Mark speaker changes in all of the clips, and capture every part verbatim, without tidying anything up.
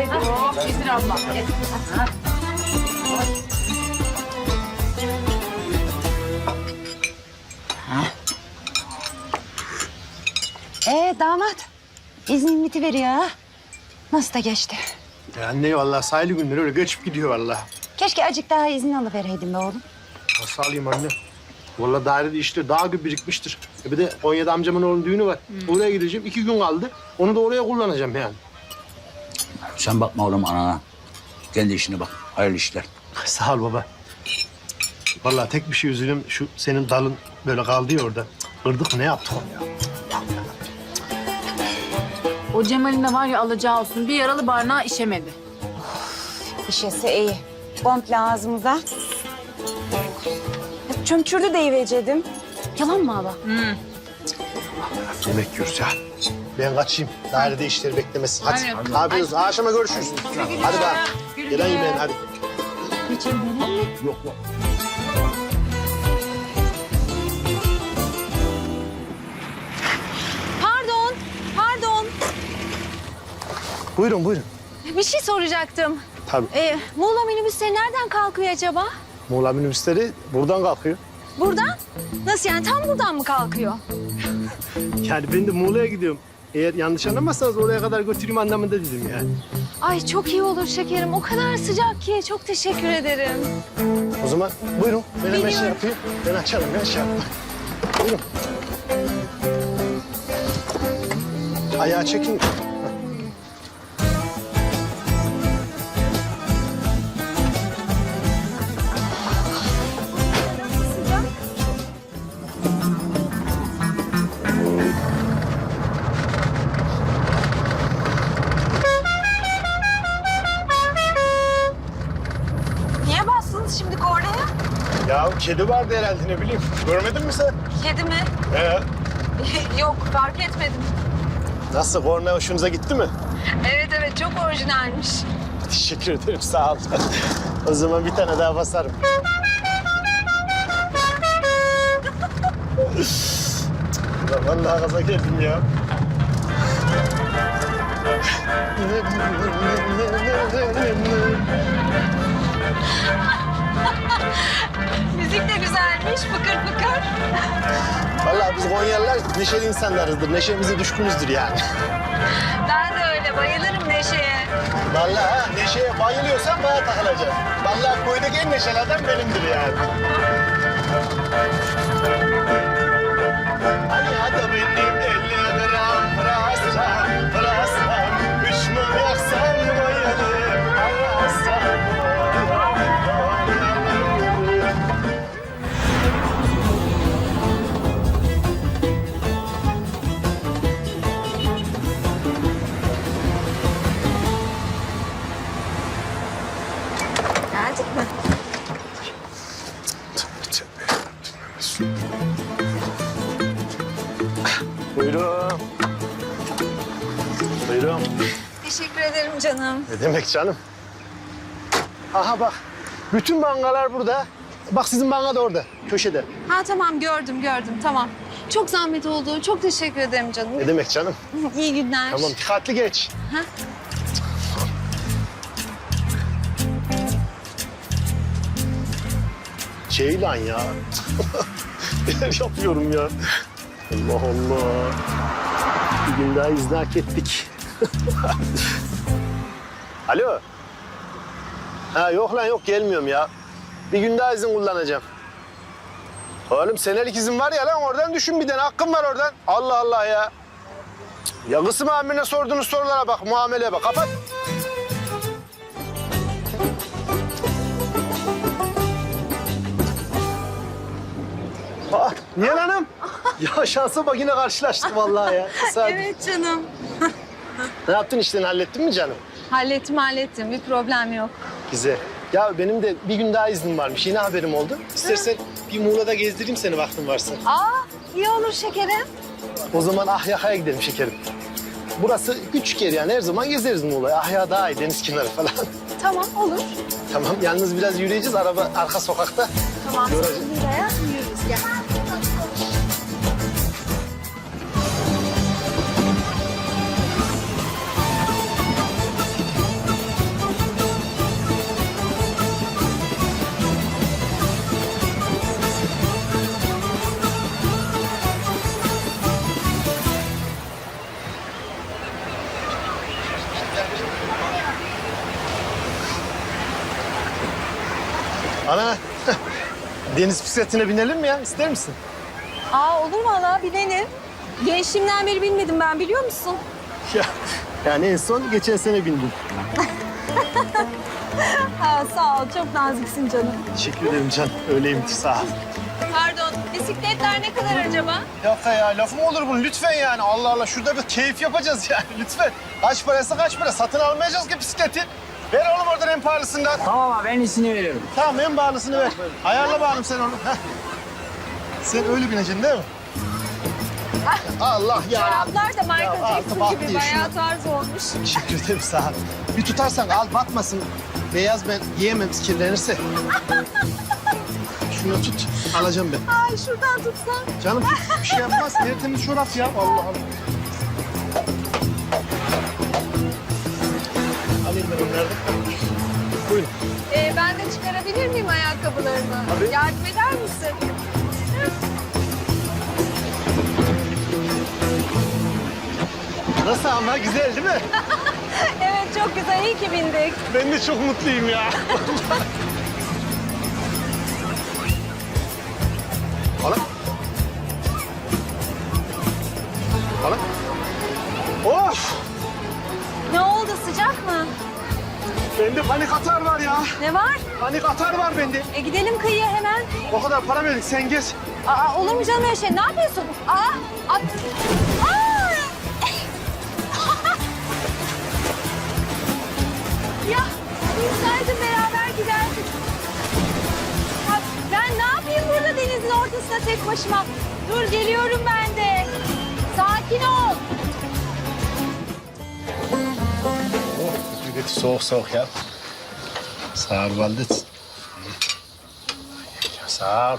Speaker 1: ederim.
Speaker 2: Oh, getir abla. Getir.
Speaker 1: Ee damat, iznin bitiveriyor ha. Nasıl da geçti?
Speaker 3: Ya anne vallahi sayılı günler öyle geçip gidiyor vallahi.
Speaker 1: Keşke azıcık daha izin alıvereydin be oğlum.
Speaker 3: Nasıl alayım anne? Vallahi dairede işte dağ gibi birikmiştir. E bir de Konya'da amcamın oğlunun düğünü var. Oraya gideceğim. iki gün kaldı. Onu da oraya kullanacağım yani.
Speaker 4: Sen bakma oğlum anana. Kendi işine bak. Hayırlı işler.
Speaker 3: Sağ ol baba. Vallahi tek bir şey üzülüm. Şu senin dalın böyle kaldı ya orada. Kırdık mı ne yaptık onu ya?
Speaker 2: O Cemal'in de var ya alacağı olsun. Bir yaralı barnağı işemedi.
Speaker 1: İşesi iyi. Komple ağzımıza. Çömçürdü deyivecedim. Yalan mı hala?
Speaker 3: Yemek yiyoruz ya. Ben kaçayım. Dairede işleri beklemesin. Hadi.
Speaker 2: Aynen.
Speaker 3: Ne yapıyoruz? Akşama görüşürüz. Hadi ben.
Speaker 2: Güle
Speaker 3: Gelen
Speaker 2: güle.
Speaker 3: yemeğin hadi.
Speaker 4: Yok yok.
Speaker 5: Pardon, pardon.
Speaker 3: Buyurun buyurun.
Speaker 5: Bir şey soracaktım.
Speaker 3: Tabii.
Speaker 5: Ee, Muğla minibüsleri nereden kalkıyor acaba?
Speaker 3: Muğla minibüsleri buradan kalkıyor.
Speaker 5: Buradan? Nasıl yani, tam buradan mı kalkıyor?
Speaker 3: Yani ben de Muğla'ya gidiyorum. Eğer yanlış anlamazsanız oraya kadar götüreyim anlamında dedim yani.
Speaker 5: Ay çok iyi olur şekerim. O kadar sıcak ki. Çok teşekkür ederim.
Speaker 3: O zaman buyurun. Ben hemen şey
Speaker 5: Biliyorum.
Speaker 3: yapayım. Ben açarım. Ben şey yapayım. Buyurun. Ayağı çekin.
Speaker 5: Niye bastınız şimdi kornaya?
Speaker 3: Ya kedi vardı herhalde ne bileyim. Görmedin mi sen?
Speaker 5: Kedi mi?
Speaker 3: He.
Speaker 5: Yok, fark etmedim.
Speaker 3: Nasıl? Korna hoşunuza gitti mi?
Speaker 5: Evet evet, çok orijinalmiş.
Speaker 3: Teşekkür ederim. Sağ ol. O zaman bir tane daha basarım. Ulan vallahi gaza geldim ya.
Speaker 5: Müzik de güzelmiş, fıkır fıkır.
Speaker 3: Vallahi biz Konyalılar neşeli insanlarızdır. Neşemize düşkünüzdür yani.
Speaker 5: Ben de öyle, bayılırım Neşe'ye.
Speaker 3: Vallahi ha, neşeye bayılıyorsan bana takılacaksın. Vallahi koydaki en neşeli adam benimdir yani. Hani hadi benim elli gram pırasam, pırasam, üç mum yaksam bayılır, arasam.
Speaker 5: Geldik mi?
Speaker 3: Buyurun. Buyurun.
Speaker 5: Teşekkür ederim canım.
Speaker 3: Ne demek canım? Aha bak, bütün bangalar burada. Bak sizin banga da orada, köşede.
Speaker 5: Ha tamam, gördüm gördüm, tamam. Çok zahmet oldu, çok teşekkür ederim canım.
Speaker 3: Ne demek canım?
Speaker 5: İyi günler.
Speaker 3: Tamam, dikkatli geç.
Speaker 5: Ha?
Speaker 3: Ceylan ya. Neler yapıyorum ya. Allah Allah. Bir gün daha izni hak ettik. Alo. Ha yok lan yok gelmiyorum ya. Bir gün daha izin kullanacağım. Oğlum senelik izin var ya lan oradan düşün bir tane hakkım var oradan. Allah Allah ya. Ya kısım amirine sorduğunuz sorulara bak, muameleye bak. Kapat. Aa, Nihal Hanım. Ya şansa bak yine karşılaştık vallahi ya. Tesadüf.
Speaker 5: Evet canım.
Speaker 3: Ne yaptın işlerini hallettin mi canım?
Speaker 5: Hallettim hallettim, bir problem yok.
Speaker 3: Güzel. Ya benim de bir gün daha iznim varmış. Yine haberim oldu. İstersen bir Muğla'da gezdireyim seni vaktin varsa.
Speaker 5: Aa, iyi olur şekerim.
Speaker 3: O zaman Ahya'ya gidelim şekerim. Burası küçük yer yani her zaman gezeriz Muğla'ya. Ahya daha iyi, deniz kenarı falan.
Speaker 5: Tamam, olur.
Speaker 3: Tamam, yalnız biraz yürüyeceğiz. Araba arka sokakta.
Speaker 5: Tamam,
Speaker 3: Göreceğiz.
Speaker 5: şimdi buraya yürürüz. Gel.
Speaker 3: Ana, deniz bisikletine binelim mi ya? İster misin?
Speaker 5: Aa olur valla bilelim. Gençliğimden beri bilmedim ben biliyor musun?
Speaker 3: Ya, yani en son geçen sene bindim.
Speaker 5: Ha, sağ ol çok naziksin canım.
Speaker 3: Teşekkür ederim can. Öyleyimdir sağ ol.
Speaker 5: Pardon bisikletler ne kadar acaba?
Speaker 3: Yok ya lafı mı olur bunun lütfen yani. Allah Allah şurada bir keyif yapacağız yani lütfen. Kaç parası kaç para satın almayacağız ki bisikleti. Ver oğlum oradan en pahalısından.
Speaker 4: Tamam abi ben iyisini veriyorum.
Speaker 3: Tamam en pahalısını ver. Ayarla bakalım sen onu. Heh. Sen öyle bineceksin değil mi? Allah ya.
Speaker 5: Çoraplar da
Speaker 3: Ya,
Speaker 5: Michael
Speaker 3: artık
Speaker 5: Jackson
Speaker 3: bak
Speaker 5: gibi
Speaker 3: diye
Speaker 5: bayağı
Speaker 3: şunu-
Speaker 5: tarz olmuş.
Speaker 3: Teşekkür ederim sağ ol. Bir tutarsan al batmasın. Beyaz ben giyemem kirlenirse. Şunu tut. Alacağım ben.
Speaker 5: Ay şuradan tutsan.
Speaker 3: Canım bir şey yapmaz. Tertemiz çorap ya. Allah Allah. Alayım ben onları da. Buyurun.
Speaker 5: Ee, ben de çıkarabilir miyim ayakkabılarımı?
Speaker 3: Tabii.
Speaker 5: Yardım eder misin?
Speaker 3: Nasıl ama? Güzel değil mi?
Speaker 5: Evet çok güzel iyi ki bindik.
Speaker 3: Ben de çok mutluyum ya. Hala. Hala. Of!
Speaker 5: Ne oldu sıcak mı?
Speaker 3: Bende panik atar var ya.
Speaker 5: Ne var?
Speaker 3: Panik atar var bende.
Speaker 5: E gidelim kıyıya hemen.
Speaker 3: O kadar para verdik sen geç.
Speaker 5: Aa olur mu canım öyle şey? Ne yapıyorsun? Aa! At. Aa! Ya bilseydim beraber giderdik. Ya, ben ne yapayım burada denizin ortasında tek başıma? Dur geliyorum ben de. Sakin ol.
Speaker 3: Evet, soğuk soğuk ya. Sağ ol Valdet. Sağ ol.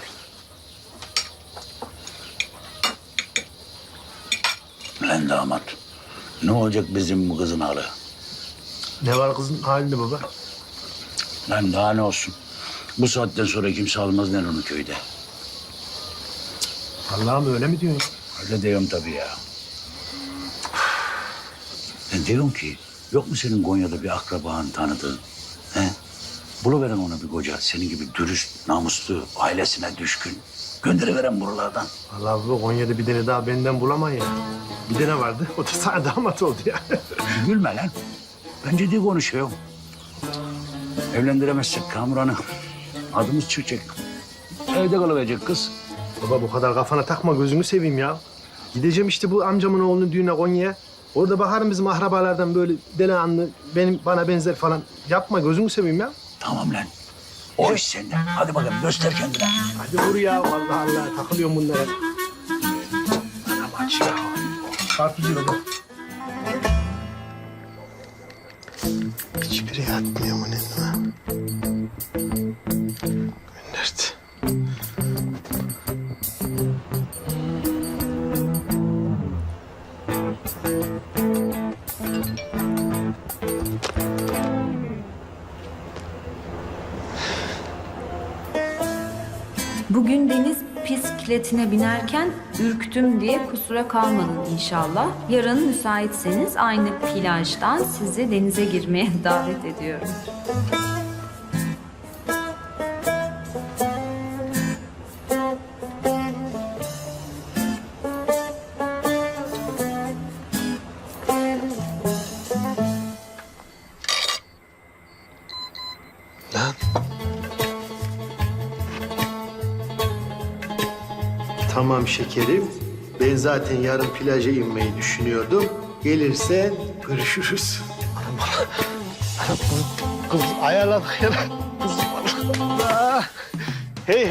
Speaker 4: Lan damat. Ne olacak bizim bu kızın halı?
Speaker 3: Ne var kızın halinde baba?
Speaker 4: Lan daha ne olsun? Bu saatten sonra kimse almaz lan onu köyde.
Speaker 3: Allah'ım öyle mi diyorsun?
Speaker 4: Öyle diyorum tabii ya. Ben diyorum ki yok mu senin Konya'da bir akraban tanıdığın? He? Buluveren ona bir koca. Senin gibi dürüst, namuslu, ailesine düşkün. Gönderiveren buralardan.
Speaker 3: Allah bu Konya'da bir tane daha benden bulamayın ya. Bir tane vardı. O da sana damat oldu ya.
Speaker 4: Gülme lan. Ben ciddi konuşuyorum. Evlendiremezsek Kamuran'ı adımız çıkacak. Evde kalıverecek kız.
Speaker 3: Baba bu kadar kafana takma gözünü seveyim ya. Gideceğim işte bu amcamın oğlunun düğüne Konya'ya. Orada bakarım bizim akrabalardan böyle delikanlı, benim bana benzer falan. Yapma gözünü seveyim ya.
Speaker 4: Tamam lan. O iş sende. Hadi bakalım göster kendine.
Speaker 3: Hadi vur ya. Allah Allah takılıyorum bunlara. Anam aç ya. Karpucu baba. Hiçbiri yatmıyor mu nenime? Gönderdi.
Speaker 6: Bugün deniz bisikletine binerken ürktüm diye kusura kalmadın inşallah. Yarın müsaitseniz aynı plajdan sizi denize girmeye davet ediyorum.
Speaker 3: Lan. Tamam şekerim. Ben zaten yarın plaja inmeyi düşünüyordum. Gelirsen görüşürüz. Anam bana. Anam bana. Kız ayarladık ya. Kız bana. Hey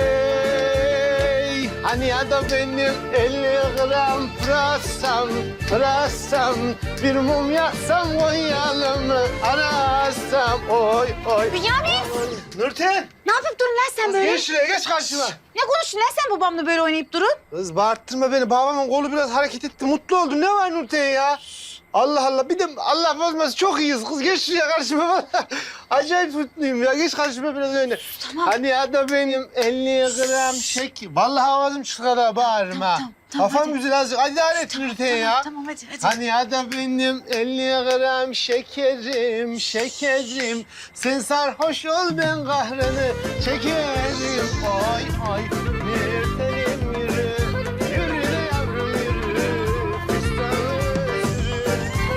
Speaker 3: hey. Hani ya da benim elli gram pırasam, pırasam. Bir mum yaksam oynayalım mı? Arasam oy oy.
Speaker 7: Bünyamin!
Speaker 3: Nurten.
Speaker 7: Ne yapıp durun lan sen böyle?
Speaker 3: Geç şuraya geç karşıma.
Speaker 7: Ne konuştun lan sen babamla böyle oynayıp durun?
Speaker 3: Kız bağırttırma beni. Babamın kolu biraz hareket etti. Mutlu oldum. Ne var Nurten ya? Allah Allah. Bir de Allah bozmasın çok iyiyiz kız. Geç şuraya karşıma valla. Acayip mutluyum ya. Geç karşıma biraz öyle. Tamam. Hani ya da benim elli gram şeker. Vallahi avazım çıkar ha bağırırım
Speaker 1: Tamam,
Speaker 3: ha.
Speaker 1: tamam, tamam,
Speaker 3: Kafam
Speaker 1: hadi.
Speaker 3: güzel azıcık. Hadi daha et Nurten ya.
Speaker 1: Tamam hadi hadi.
Speaker 3: Hani ya da benim elli gram şekerim, şekerim. Sen sarhoş ol ben kahrını çekerim. Oy oy Nurten'im yürü. Yürü de yavrum yürü. Fıstığım sürü.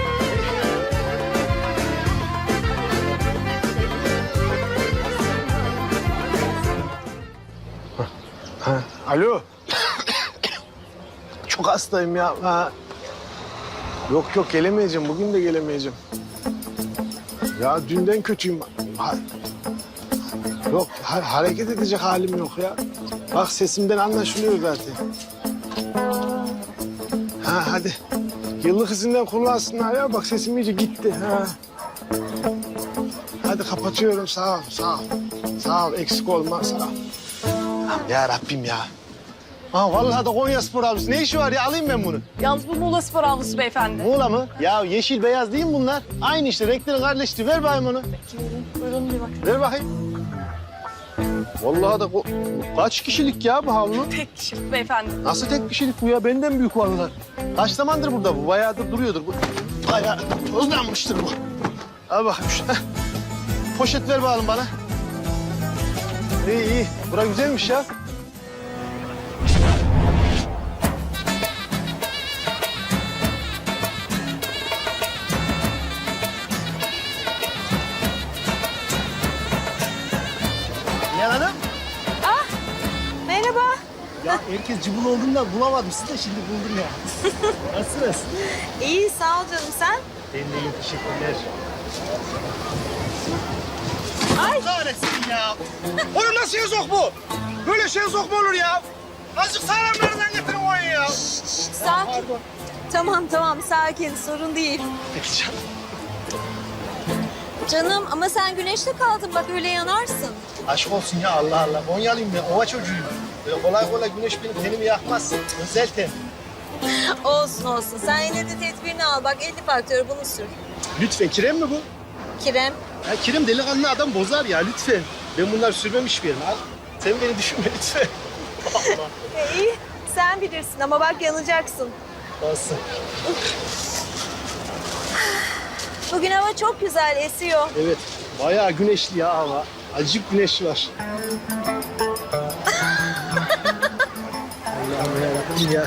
Speaker 3: Ha, alo. Çok hastayım ya. Ha. Yok yok gelemeyeceğim. Bugün de gelemeyeceğim. Ya dünden kötüyüm. Ha. Yok ha- hareket edecek halim yok ya. Bak sesimden anlaşılıyor zaten. Ha hadi. Yıllık izinden kullansınlar ya. Bak sesim iyice gitti. Ha. Hadi kapatıyorum. Sağ ol, sağ ol. Sağ ol, eksik olma. Sağ ol. Ya Rabbim ya. Ha vallahi de Konyaspor avlusu. Ne işi var ya? Alayım ben bunu.
Speaker 7: Yalnız bu Muğla Spor avlusu beyefendi.
Speaker 3: Muğla mı? Ya yeşil beyaz değil mi bunlar? Aynı işte renklerin kardeşliği. Ver bakayım onu.
Speaker 7: Buyurun bir bakın.
Speaker 3: Ver bakayım. Vallahi da ko- kaç kişilik ya bu havlu?
Speaker 7: Tek kişi beyefendi.
Speaker 3: Nasıl tek kişilik bu ya? Benden büyük vallahi. Kaç zamandır burada bu? Bayağıdır duruyordur bu. Bayağı tozlanmıştır bu. Al bakayım şu. Heh. Poşet ver bakalım bana. İyi iyi. Bura güzelmiş ya. Nihan Hanım.
Speaker 7: Merhaba.
Speaker 3: Ya herkes cıbıl olduğunda bulamadım. Siz de şimdi buldum ya. Nasılsınız?
Speaker 7: İyi sağ ol canım sen.
Speaker 3: Ben de iyi, teşekkürler.
Speaker 7: Ay.
Speaker 3: Kahretsin ya. Oğlum nasıl yazok bu? Böyle şey yazok mu olur ya? Azıcık sağlamlarından getirin oyun ya.
Speaker 7: Sakin. Tamam tamam sakin sorun değil.
Speaker 3: Peki canım.
Speaker 7: Canım ama sen güneşte kaldın bak öyle yanarsın.
Speaker 3: Aşk olsun ya Allah Allah. Konyalıyım ben, ova çocuğuyum. Böyle kolay kolay güneş benim tenimi yakmaz. Özel ten.
Speaker 7: Olsun olsun sen yine de tedbirini al bak elli faktörü bunu sür.
Speaker 3: Lütfen, kirem mi bu?
Speaker 7: Kirem.
Speaker 3: Ya kirem delikanlı adam bozar ya lütfen. Ben bunlar sürmemiş bir yerim. Al. Sen beni düşünme lütfen. Allah.
Speaker 7: E, iyi sen bilirsin ama bak yanacaksın.
Speaker 3: Olsun.
Speaker 7: Bugün hava çok güzel esiyor.
Speaker 3: Evet, bayağı güneşli ya hava. Acık güneş var. Allah'ım yarabbim ya.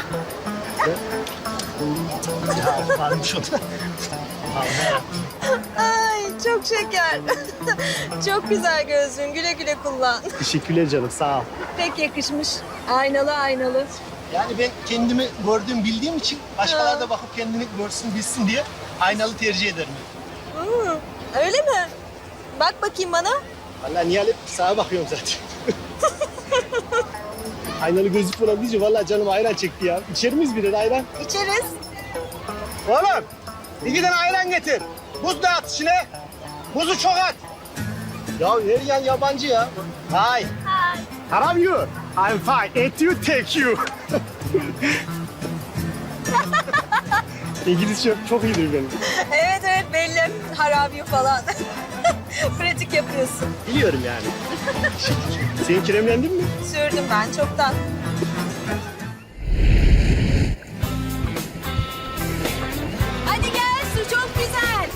Speaker 3: Ya, ya varmış o da. Allah'ım yarabbim.
Speaker 7: Ay çok şeker. Çok güzel gözlüğün güle güle kullan.
Speaker 3: Teşekkürler canım, sağ ol.
Speaker 7: Pek yakışmış. Aynalı aynalı.
Speaker 3: Yani ben kendimi gördüğüm bildiğim için başkaları da bakıp kendini görsün bilsin diye aynalı tercih ederim.
Speaker 7: Hmm, öyle mi? Bak bakayım bana.
Speaker 3: Vallahi Nihal hep sağa bakıyorum zaten. Aynalı gözlük falan deyince vallahi canım ayran çekti ya. İçer miyiz birer ayran?
Speaker 7: İçeriz.
Speaker 3: Oğlum iki tane ayran getir. Buz da at içine. Buzu çok at. Ya her yan yabancı ya. Hi. Hi. How are you? I'm fine. And you take you. İngilizce çok iyidir benim.
Speaker 7: Evet evet belli. Harabi falan. Pratik yapıyorsun.
Speaker 3: Biliyorum yani. Sen kremlendin mi?
Speaker 7: Sürdüm ben çoktan. Hadi gel su çok güzel.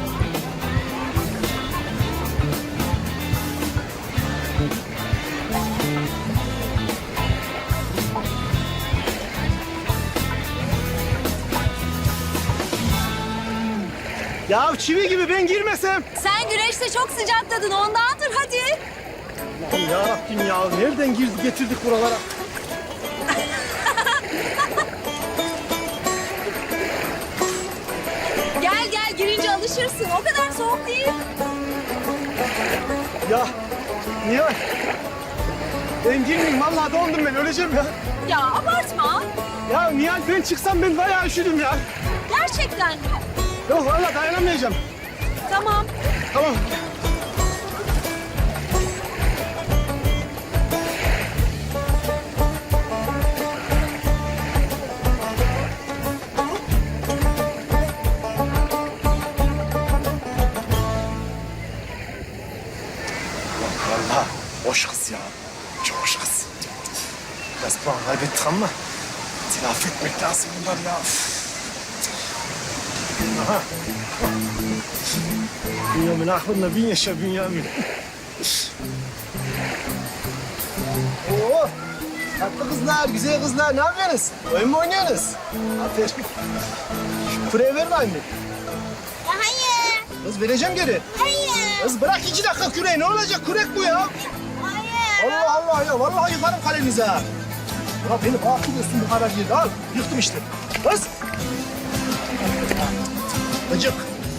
Speaker 3: Ya çivi gibi ben girmesem.
Speaker 7: Sen güneşte çok sıcakladın ondandır hadi.
Speaker 3: Allah'ım yarabbim ya. Nereden girdi getirdik buralara?
Speaker 7: Gel gel girince alışırsın. O kadar soğuk değil.
Speaker 3: Ya Nihal. Ben girmeyeyim. Vallahi dondum ben. Öleceğim ya.
Speaker 7: Ya abartma.
Speaker 3: Ya Nihal ben çıksam ben bayağı üşüdüm ya.
Speaker 7: Gerçekten mi?
Speaker 3: Yok vallahi dayanamayacağım.
Speaker 7: Tamam.
Speaker 3: Tamam. Hoş kız ya. Çok hoş kız. Biraz puan kaybettik ama telafi etmek lazım bunlar ya. Aha. Bünyamin aklımda bin yaşa Bünyamin. Oo, tatlı kızlar, güzel kızlar. Ne yapıyorsunuz? Oyun mu oynuyorsunuz? Aferin. Şu küreği ver bana.
Speaker 5: Hayır.
Speaker 3: Kız vereceğim geri.
Speaker 5: Hayır.
Speaker 3: Kız bırak iki dakika küreği. Ne olacak? Kürek bu ya.
Speaker 5: Hayır.
Speaker 3: Allah Allah ya. Vallahi yıkarım kalenize ha. Ya beni bağırtıyorsun bu kadar yerde. Al. Yıktım işte. Kız. Gıcık.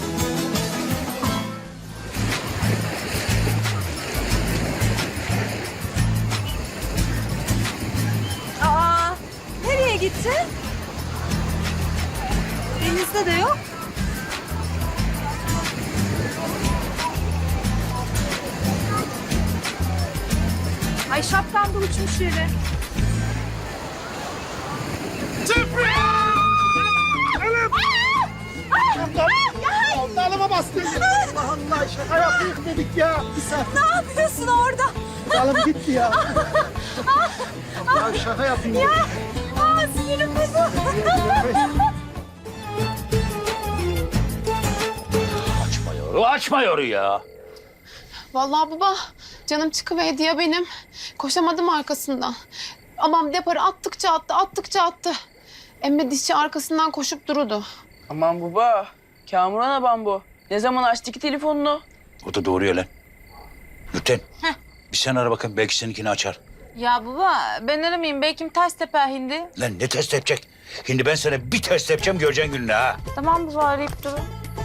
Speaker 5: Aa, nereye gitti? Denizde de yok. Ay şapkam da uçmuş yere.
Speaker 3: Dalıma bastın. Allah Allah. Şaka yaptık dedik ya. Bir saat.
Speaker 5: Ne yapıyorsun orada?
Speaker 3: Dalım gitti ya. Ya şaka yapayım.
Speaker 5: Ya, aa, sinirim bozuldu.
Speaker 4: Açma yoru, açma yoru ya.
Speaker 8: Vallahi baba canım çıkıverdi ya benim. Koşamadım arkasından. Amam deparı attıkça attı, attıkça attı. Emme dişçi arkasından koşup durudu.
Speaker 9: Aman baba, Kamuran abam bu. Ne zaman açtı ki telefonunu?
Speaker 4: O da doğru ya lan. Nurten, bir sen ara bakın belki seninkini açar.
Speaker 2: Ya baba ben aramayayım. Belki ters teper hindi.
Speaker 4: Lan ne test yapacak? Şimdi ben sana bir test yapacağım göreceksin gününü ha.
Speaker 2: Tamam baba arayıp durun.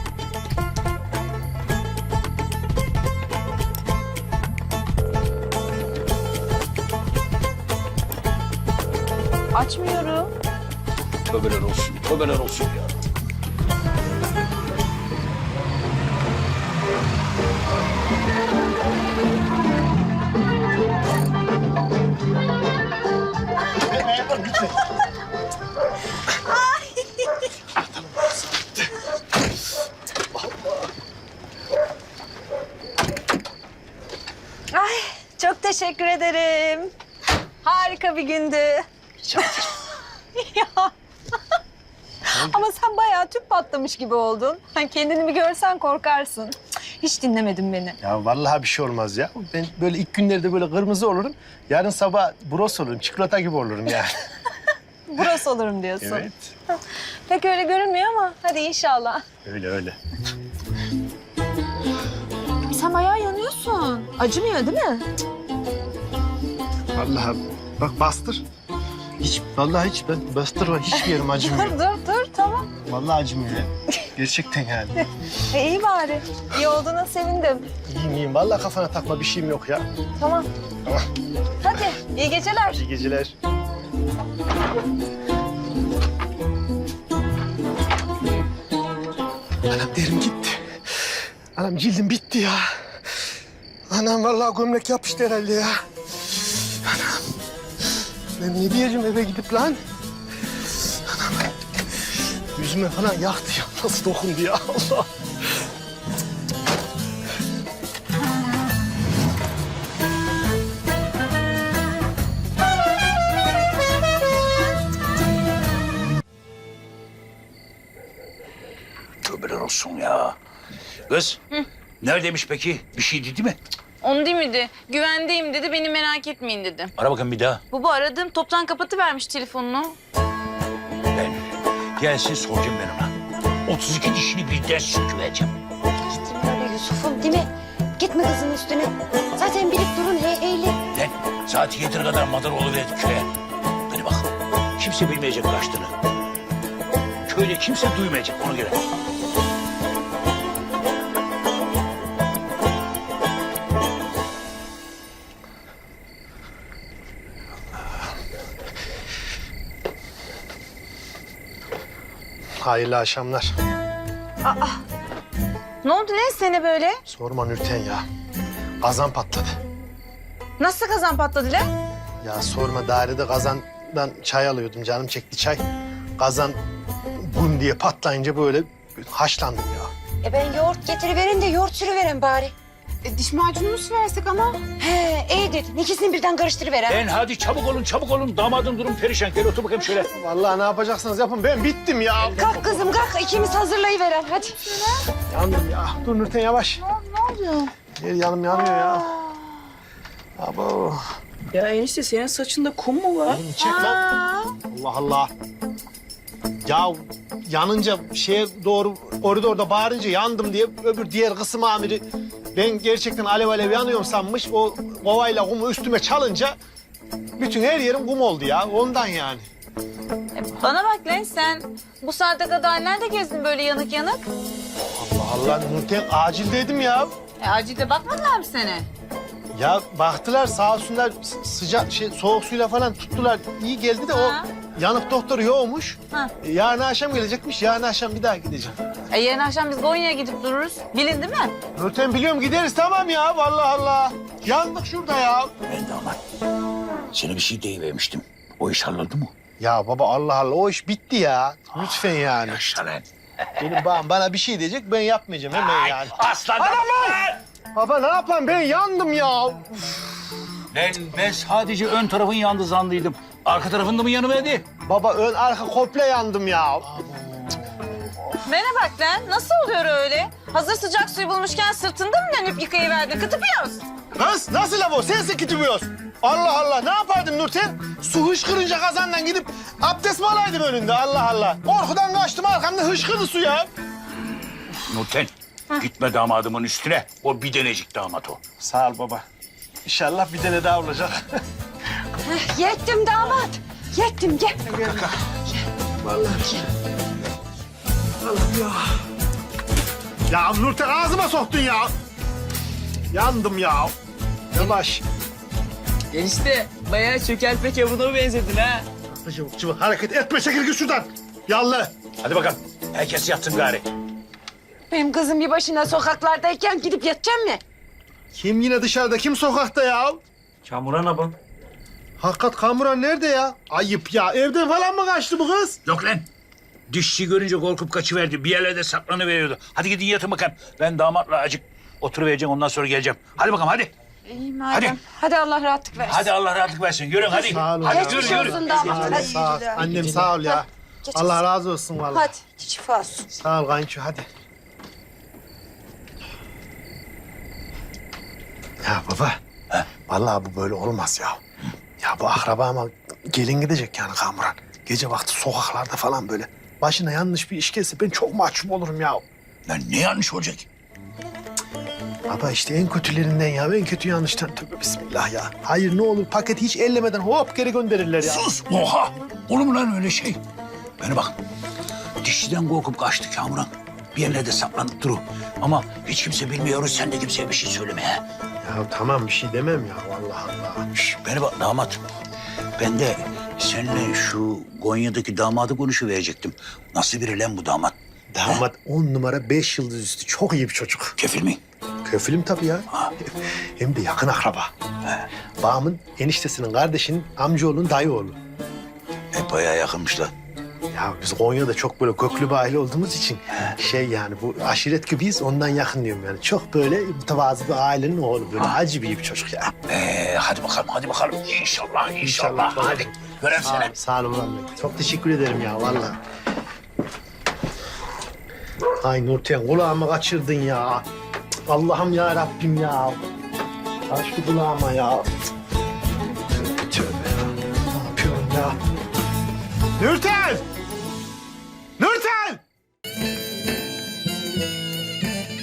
Speaker 2: Açmıyorum.
Speaker 4: Tövbeler olsun, tövbeler olsun ya.
Speaker 5: Ay, çok teşekkür ederim. Harika bir gündü. Ya. Ama sen bayağı tüp patlamış gibi oldun. Hani kendini bir görsen korkarsın. Hiç dinlemedin beni.
Speaker 3: Ya vallahi bir şey olmaz ya. Ben böyle ilk günlerde böyle kırmızı olurum. Yarın sabah bros olurum. Çikolata gibi olurum yani.
Speaker 5: Burası olurum diyorsun.
Speaker 3: Evet.
Speaker 5: Pek öyle görünmüyor ama hadi inşallah.
Speaker 3: Öyle öyle.
Speaker 5: Sen bayağı yanıyorsun. Acımıyor değil mi?
Speaker 3: Vallahi bak bastır. Hiç vallahi hiç ben bastırma hiçbir yerim acımıyor.
Speaker 5: dur dur tamam.
Speaker 3: Vallahi acımıyor ya. Gerçekten yani.
Speaker 5: E, iyi bari. İyi olduğuna sevindim.
Speaker 3: İyiyim iyiyim. Vallahi kafana takma bir şeyim yok ya.
Speaker 5: Tamam.
Speaker 3: Tamam.
Speaker 5: Hadi iyi geceler.
Speaker 3: İyi geceler. Anam derim gitti. Anam cildim bitti ya. Anam vallahi gömlek yapıştı herhalde ya. Anam. Ben ne diyeceğim eve gidip lan? Anam. Yüzüme falan yaktı ya. Nasıl dokundu ya Allah.
Speaker 4: Tövbeler olsun ya. Kız, neredeymiş peki? Bir şey dedi mi?
Speaker 2: Onu değil miydi? Güvendeyim dedi. Beni merak etmeyin dedi.
Speaker 4: Ara bakın bir daha.
Speaker 2: Baba aradım. Toptan kapatıvermiş telefonunu.
Speaker 4: Ben gelsin soracağım ben ona. otuz iki dişini birden söküvereceğim.
Speaker 1: Gitme öyle Yusuf'um değil mi? Gitme kızın üstüne. Zaten bilip durun hey heyli.
Speaker 4: Lan saat yediye kadar madar oluverdik köye. Hadi bak, kimse bilmeyecek kaçtığını. Köyde kimse duymayacak ona göre.
Speaker 3: Hayırlı akşamlar.
Speaker 2: Ne oldu ne sene böyle?
Speaker 3: Sorma Nurten ya. Kazan patladı.
Speaker 2: Nasıl kazan patladı lan?
Speaker 3: Ya sorma dairede kazandan çay alıyordum. Canım çekti çay. Kazan bum diye patlayınca böyle haşlandım ya.
Speaker 1: E ben yoğurt getiriverin de yoğurt sürüverin bari.
Speaker 8: E, diş macunu mu versek ana?
Speaker 1: He iyi verdin? İkisini birden karıştırıver ha.
Speaker 4: Ben hadi çabuk olun çabuk olun. Damadın durum perişan. Gel otur bakayım şöyle.
Speaker 3: Vallahi ne yapacaksınız yapın. Ben bittim ya.
Speaker 1: Kalk kızım kalk. İkimiz hazırlayıveren hadi.
Speaker 3: Yandım ya. Dur Nurten yavaş. Ne oluyor? Her yanım yanıyor ya. Abo.
Speaker 9: Ya enişte senin saçında kum mu var?
Speaker 3: Çek lan. Allah Allah. Ya yanınca şeye doğru koridorda bağırınca yandım diye öbür diğer kısım amiri ben gerçekten alev alev yanıyorum sanmış. O kovayla kumu üstüme çalınca bütün her yerim kum oldu ya. Ondan yani.
Speaker 7: E, bana bak lan sen bu saate kadar nerede gezdin böyle yanık yanık?
Speaker 3: Allah Allah Nurten acildeydim ya.
Speaker 7: E, acilde bakmadılar mı seni?
Speaker 3: Ya baktılar sağ olsunlar sı- sıcak şey soğuk suyla falan tuttular. İyi geldi de
Speaker 7: Ha.
Speaker 3: o yanık doktor yoğmuş.
Speaker 7: Ha.
Speaker 3: E, Yarın akşam gelecekmiş. Yarın akşam bir daha gideceğim.
Speaker 7: E, yarın akşam biz Konya'ya gidip dururuz. Bilin değil mi?
Speaker 3: Nurten biliyorum gideriz tamam ya. Vallahi Allah. Yandık şurada ya.
Speaker 4: Ben damat. Sana bir şey deyivermiştim. O iş halloldu mu?
Speaker 3: Ya baba Allah Allah o iş bitti ya. Lütfen yani.
Speaker 4: Yaşa lan.
Speaker 3: Benim babam bana bir şey diyecek ben yapmayacağım hemen yani.
Speaker 4: Aslan damat.
Speaker 3: Baba ne yapayım ben yandım ya.
Speaker 4: Ben, ben sadece ön tarafın yandı zannıydım. Arka tarafında mı yanıverdi?
Speaker 3: Baba ön arka komple yandım ya.
Speaker 7: Bana bak lan nasıl oluyor öyle? Hazır sıcak suyu bulmuşken sırtında mı dönüp yıkayıverdin? Kıtıpıyoruz.
Speaker 3: Kız nasıl laf o? Sensin kitimiyorsun. Allah Allah ne yapardım Nurten? Su hışkırınca kazandan gidip abdest mi alaydım önünde Allah Allah. Korkudan kaçtım arkamda hışkırdı su ya.
Speaker 4: Nurten, gitme damadımın üstüne. O bir denecik damat o.
Speaker 3: Sağ ol baba. İnşallah bir tane daha olacak.
Speaker 1: Heh, yettim damat. Yettim gel.
Speaker 3: Vallahi. Allah'ım ya. Ya Nurten ağzıma soktun ya. Yandım ya. Yavaş.
Speaker 9: Enişte bayağı çökeltme kebabına benzedin ha.
Speaker 3: Çabuk çabuk hareket etme çekil git şuradan. Yallah.
Speaker 4: Hadi bakalım. Herkes yatsın gari.
Speaker 1: Benim kızım bir başına sokaklardayken gidip yatacağım mı?
Speaker 3: Kim yine dışarıda kim sokakta ya?
Speaker 10: Kamuran abam.
Speaker 3: Hakikat Kamuran nerede ya? Ayıp ya. Evden falan mı kaçtı bu kız?
Speaker 4: Yok lan. Dişçi görünce korkup kaçıverdi. Bir yerlerde saklanıveriyordu. Hadi gidin yatın bakalım. Ben damatla acık oturuvereceğim ondan sonra geleceğim. Hadi bakalım hadi.
Speaker 1: İyi madem.
Speaker 4: Hadi.
Speaker 1: Hadi Allah rahatlık versin.
Speaker 4: Hadi Allah rahatlık versin. Yürüyün hadi.
Speaker 3: Sağ olun.
Speaker 4: Hadi
Speaker 3: ya.
Speaker 4: yürü yürü.
Speaker 1: olsun damat.
Speaker 3: Sağ ol,
Speaker 1: Hadi.
Speaker 3: sağ ol. Annem sağ ol ya.
Speaker 1: Geç
Speaker 3: Allah
Speaker 1: olsun.
Speaker 3: razı olsun vallahi.
Speaker 1: Hadi şifa olsun.
Speaker 3: Sağ ol kayınço hadi. Ya baba. Vallahi bu böyle olmaz ya. Ya bu akrabama gelin gidecek yani Kamuran. Gece vakti sokaklarda falan böyle. Başına yanlış bir iş gelse ben çok mahcup olurum ya.
Speaker 4: Lan ne yanlış olacak?
Speaker 3: Baba işte en kötülerinden ya. En kötü yanlıştan tövbe bismillah ya. Hayır ne olur paketi hiç ellemeden hop geri gönderirler ya.
Speaker 4: Sus! Oha! Olur mu lan öyle şey? Bana bak. Dişçiden korkup kaçtı Kamuran. Bir yerlerde saklanıp duru. Ama hiç kimse bilmiyoruz. Sen de kimseye bir şey söyleme ha.
Speaker 3: Ya tamam bir şey demem ya vallahi Allah.
Speaker 4: Şş, bana bak damat. Ben de seninle şu Konya'daki damadı konuşuverecektim. Nasıl biri lan bu damat?
Speaker 3: Damat on numara beş yıldız üstü çok iyi bir çocuk.
Speaker 4: Kefil mi?
Speaker 3: Köfülüm tabii ya. Hem de yakın akraba. Bağımın eniştesinin kardeşinin amcaoğlunun dayı oğlu.
Speaker 4: E bayağı yakınmış lan.
Speaker 3: Ya biz Konya'da çok böyle köklü bir aile olduğumuz için şey yani bu aşiret gibiyiz ondan yakın diyorum yani. Çok böyle mütevazı bir ailenin oğlu böyle acı bir iyi bir çocuk ya.
Speaker 4: Ee, hadi bakalım, hadi bakalım. İnşallah, inşallah.
Speaker 3: İnşallah.
Speaker 4: Hadi. Görem
Speaker 3: Sağ ol,
Speaker 4: seni.
Speaker 3: sağ ol ulan. Çok teşekkür ederim ya vallahi. Ay Nurten kulağımı kaçırdın ya. Allah'ım ya Rabbim ya. Aç şu kulağıma ya. Tövbe ya. Ne yapıyorum ya? Nurten! Nurten!